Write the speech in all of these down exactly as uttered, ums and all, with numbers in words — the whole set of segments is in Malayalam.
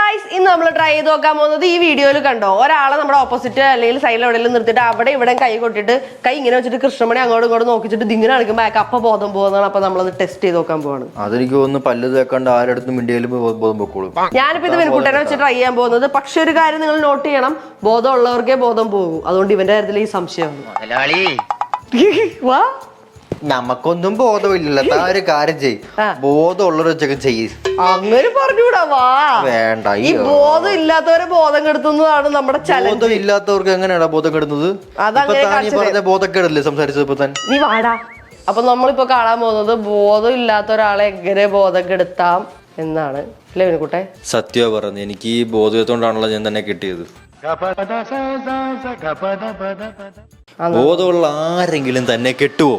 ഗൈസ് ഇന്ന് നമ്മൾ ട്രൈ ചെയ്ത് നോക്കാൻ പോകുന്നത് ഈ വീഡിയോയിൽ കണ്ടോ ഒരാളെ നമ്മുടെ ഓപ്പോസിറ്റ് അല്ലെങ്കിൽ സൈഡിൽ എവിടെയെങ്കിലും നിർത്തിയിട്ട് അവിടെ ഇവിടെ കൈ കൊട്ടിട്ട് കൈ ഇങ്ങനെ വെച്ചിട്ട് കൃഷ്ണമണി അങ്ങോട്ടും ഇങ്ങോട്ടും നോക്കിച്ചിട്ട് ഇതിങ്ങനെ കളിക്കുമ്പോൾ അയാൾക്ക് അപ്പ ബോധം പോകുന്നതാണ്. അപ്പൊ നമ്മളത് ടെസ്റ്റ് ചെയ്ത് നോക്കാൻ പോവാണ്. അതെനിക്ക് തോന്നുന്നു പല്ല് തേക്കാണ്ട് ആരടുത്തും മിണ്ടിയാലും ബോധം പൊക്കോളും. ഞാനിപ്പോ ഇത് വിൻകുട്ടനെ വെച്ച് ട്രൈ ചെയ്യാൻ പോകുന്നത്. പക്ഷെ ഒരു കാര്യം നിങ്ങൾ നോട്ട് ചെയ്യണം, ബോധം ഉള്ളവർക്കേ ബോധം പോകും. അതുകൊണ്ട് ഇവന്റെ കാര്യത്തിൽ ഈ സംശയമാണ്. വാ നമുക്കൊന്നും ബോധമില്ലല്ലോ. താ ഒരു കാര്യം ചെയ്യും, ബോധമുള്ളവർ വെച്ചൊക്കെ ചെയ്യും. അങ്ങനെ പറഞ്ഞൂടാ. വാ വേണ്ട, ഈ ബോധം ഇല്ലാത്തവരെ ബോധം കെടുത്തുന്നതാണ് നമ്മുടെ ചലഞ്ച്. ബോധം ഇല്ലാത്തവർക്ക് എങ്ങനെയാടാ ബോധം കെടുന്നത്? പറഞ്ഞ ബോധക്കേടല്ലേ സംസാരിച്ചത് ഇപ്പൊ തന്നെ. നീ വാടാ. അപ്പൊ നമ്മളിപ്പോ കാണാൻ പോകുന്നത് ബോധം ഇല്ലാത്ത ഒരാളെ എങ്ങനെ ബോധം കെടുത്താം എന്നാണ്. അല്ലേ വിനുകുട്ടെ? സത്യം പറഞ്ഞു, എനിക്ക് ഈ ബോധത്തോണ്ടാണല്ലോ ഞാൻ തന്നെ കിട്ടിയത്. ബോധമുള്ള ആരെങ്കിലും തന്നെ കെട്ടുവോ?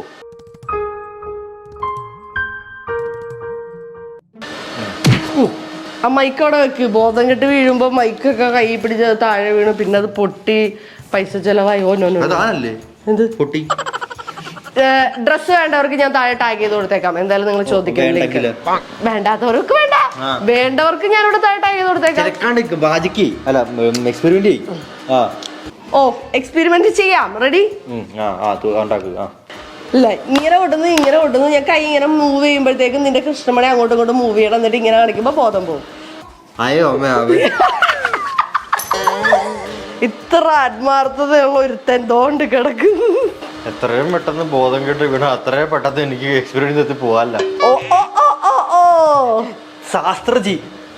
ആ മൈക്ക് അവിടെ വെക്ക്. ബോധം കെട്ട് വീഴുമ്പോ മൈക്കൊക്കെ കൈ പിടിച്ച് താഴെ വീണു, പിന്നെ അത് പൊട്ടി പൈസ ചെലവായി. Oh no no. എന്ത് പൊട്ടി? ഡ്രസ് വേണ്ടവർക്ക് ഞാൻ താഴെ ടാഗ് ചെയ്ത് കൊടുത്തേക്കാം. എന്തായാലും നിങ്ങൾ ചോദിക്കുന്നില്ല. വേണ്ടാത്തവർക്ക് വേണ്ട, വേണ്ടവർക്ക് ഞാൻ ഇവിടെ താഴെ ടാഗ് ചെയ്ത് കൊടുത്തേക്കാം. ഓ എക്സ്പെരിമെന്റ് ചെയ്യാം. റെഡി? ഇല്ല, ഇങ്ങനെ കൊണ്ടുവന്ന് ഇങ്ങനെ കൊണ്ടുവന്ന് ഞാൻ കൈ ഇങ്ങനെ മൂവ് ചെയ്യുമ്പോഴത്തേക്കും നിന്റെ കൃഷ്ണമണി അങ്ങോട്ടും ഇങ്ങോട്ടും മൂവ് ചെയ്യണം. എന്നിട്ട് ഇങ്ങനെ കാണിക്കുമ്പോ ബോധം പോകും. ഇത്ര ആത്മാർത്ഥതയുള്ള ഒരുത്തൻ തോണ്ട് കിടക്കും. എത്രയും പെട്ടെന്ന് ബോധം കേട്ട് വീണ അത്രയും പെട്ടെന്ന് എനിക്ക് എക്സ്പീരിയൻസ് എത്തി പോവാല്ല. ഓ ഓ ഓ ഓ ഓ ശാസ്ത്രജി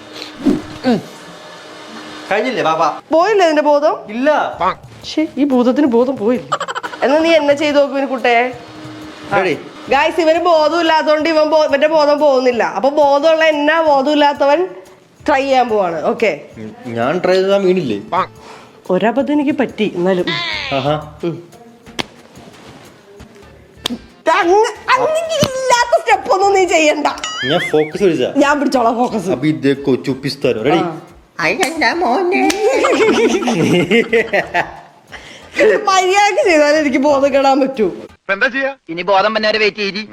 കഴിഞ്ഞില്ലേ ബാബാ? പോയില്ലേ നിന്റെ ബോധം? ഇല്ല. ഈ ഭൂതത്തിന് ബോധം പോയില്ല. എന്നാ നീ എന്നെ ചെയ്ത് നോക്കും കുട്ടേ. ഗായ്സ്, ഇവന് ബോധം ഇല്ലാത്തതുകൊണ്ട് ഇവൻ ഇവന്റെ ബോധം പോകുന്നില്ല. അപ്പൊ ബോധമുള്ള എന്നാ ബോധം ഇല്ലാത്തവൻ ട്രൈ ചെയ്യാൻ പോവാണ്. ഓക്കെ, ഞാൻ ട്രൈ ചെയ്താൽ വീണില്ലേ? ഒരബദ്ധം എനിക്ക് പറ്റി. എന്നാലും ഇല്ലാത്ത സ്റ്റെപ്പ് ഒന്നും നീ ചെയ്യണ്ട. ഞാൻ ഫോക്കസ് പിടിച്ചാ ഞാൻ പിടിച്ചോളാം ഫോക്കസ്. അപ്പൊ ഇതേക്കോ ചുപ്പിസ്താനോ. റെഡി? മര്യാദക്ക് ചെയ്താലേ എനിക്ക് ബോധം കെടാൻ പറ്റൂ. എന്താ ചെയ്യാ? ഇനി ബോധം വന്നവരെ വെയിറ്റ് ചെയ്തി.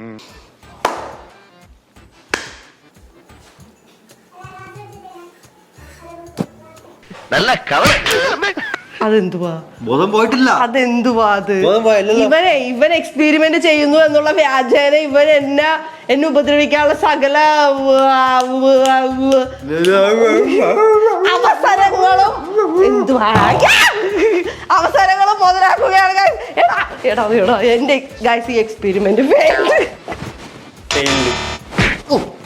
നല്ല കവർ. അതെന്തുവാ? ബോധം പോയിട്ടില്ല. അതെന്തുവാ അത്? ഇവനെ ഇവൻ എക്സ്പെരിമെന്റ് ചെയ്യുന്നു എന്നുള്ള വ്യാജേന ഇവൻ എന്നെ എന്നെ ഉപദ്രവിക്കാനുള്ള സകല അവസരങ്ങളും എന്തുവാ അവസരങ്ങളും മുതലാക്കുകയാണ്. എടാ എടാ എന്റെ ഗൈസ് ഈ എക്സ്പെരിമെന്റ് ഫെയിൽഡ്.